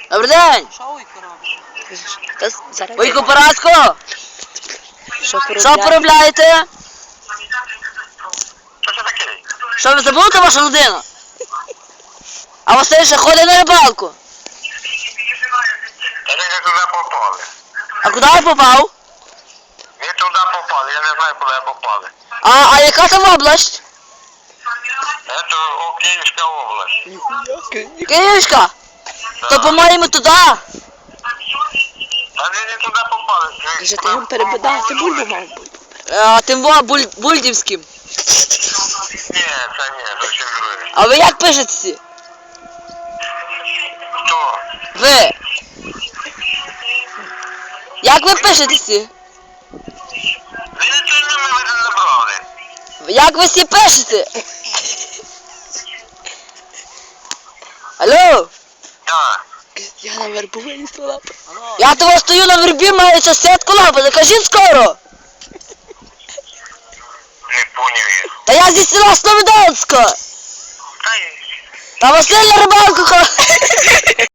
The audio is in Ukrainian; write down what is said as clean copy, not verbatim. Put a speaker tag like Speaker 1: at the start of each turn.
Speaker 1: Добрий день!
Speaker 2: Що Ойко робить?
Speaker 1: Ойко Параско! Що поробляєте?
Speaker 3: Що це таке?
Speaker 1: Що ви забули вашу людину? А Василь ще ходить на рибалку.
Speaker 3: Та ви не туди попали.
Speaker 1: А куди ви попав?
Speaker 3: Ви туди попали, я не знаю, куди попали.
Speaker 1: А яка там область?
Speaker 3: Це Київська область.
Speaker 1: Київська? То по-моєму туди.
Speaker 3: Та ви не туди попали.
Speaker 2: Вже ти їм перебидав, ти бульбу мав бути.
Speaker 1: Тим Бульдівським.
Speaker 3: Ні, це ні, зовсім друге.
Speaker 1: А ви як пишетеся?
Speaker 3: Хто?
Speaker 1: Ви? Як ви пишетеся?
Speaker 3: Ви нічого не мене не забрали.
Speaker 1: Як ви всі пишете? Алло?
Speaker 3: Так.
Speaker 2: Я на вербовині стояла.
Speaker 1: Я того стою на вербі, маю сусідку лапати, кажіть скоро.
Speaker 3: Не поняв я.
Speaker 1: Та я зі села Слободанська.
Speaker 3: Та й...
Speaker 1: Та Василь на рибалку ходить.